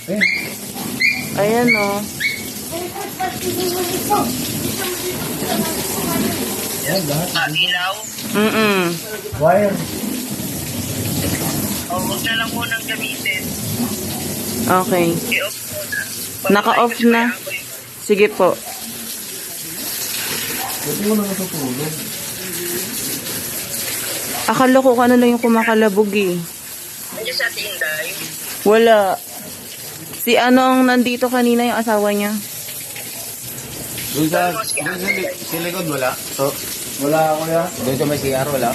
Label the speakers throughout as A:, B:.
A: Ayan o.
B: Yan, lahat.
C: Ilaw.
B: Wire.
C: O, huwag na lang munang gamitin.
A: Okay.
C: I-off mo na.
A: Naka-off na. Sige po.
B: Pwede mo na natutulog.
A: Akala ko ano lang yung kumakalabog eh.
C: Nandiyan sa Tinday.
A: Wala. Si ano ang nandito kanina yung asawa niya?
D: Doon sa likod wala. So,
B: Wala ako ya.
D: doon sa may CR wala.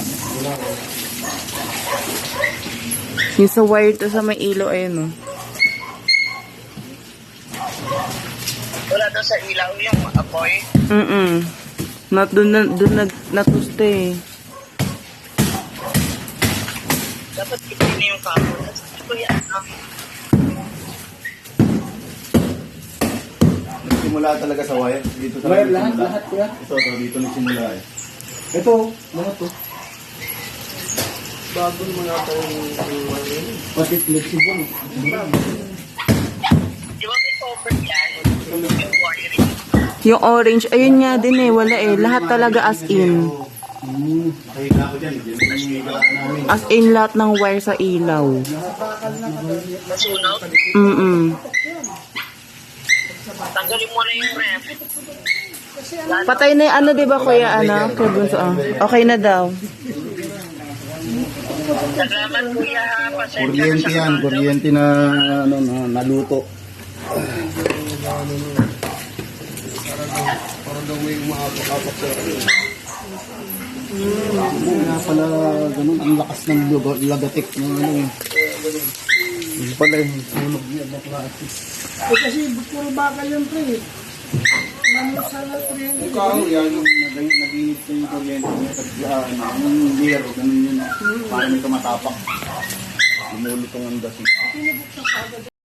A: Yung sa wire to sa may ilaw, ayun o.
C: Wala daw sa ilaw yung apoy.
A: Doon natuste eh.
C: Dapat ipin yung kapon. Ito yan.
D: Nagsimula talaga sa wire. Dito sa
B: Wire lahat kuya.
D: Ito, dito nagsimula eh.
B: Ito, lahat to.
C: Bago mo na ito yung
B: Pati flexible.
C: Di ba may cover yan? Yung wiring.
A: Yung orange, ayun nga din eh. Wala eh. Lahat talaga as in.
D: Nakita ko dyan. Diyan yung higa namin.
A: As in lahat ng wire sa ilaw.
C: Masunog. Tanggalin mo na yung ref.
A: Patay na yung ano, di ba kuya? Ano? Kuya Bunso, ah. Okay na daw.
C: Salamat kuya ha. Pasensya na
D: Kuryente
C: sa
D: yan.
C: kalaw.
D: Kuryente na, ano, naluto.
B: Para daw may umaapak-apak sa Kaya pala ganun, ang lakas ng lagatik ng ano eh. Yung pala yung sunog niya na plastic.
E: Kasi puro bakal yung pre. Mamot sa kuryente.
D: Ikaw, yan yung nag-init ko yung kuryente niya. Yung beer, ganun yun. Parang may tumatapak. Lumulutong ang dasin.
E: Pinabuksan ka agad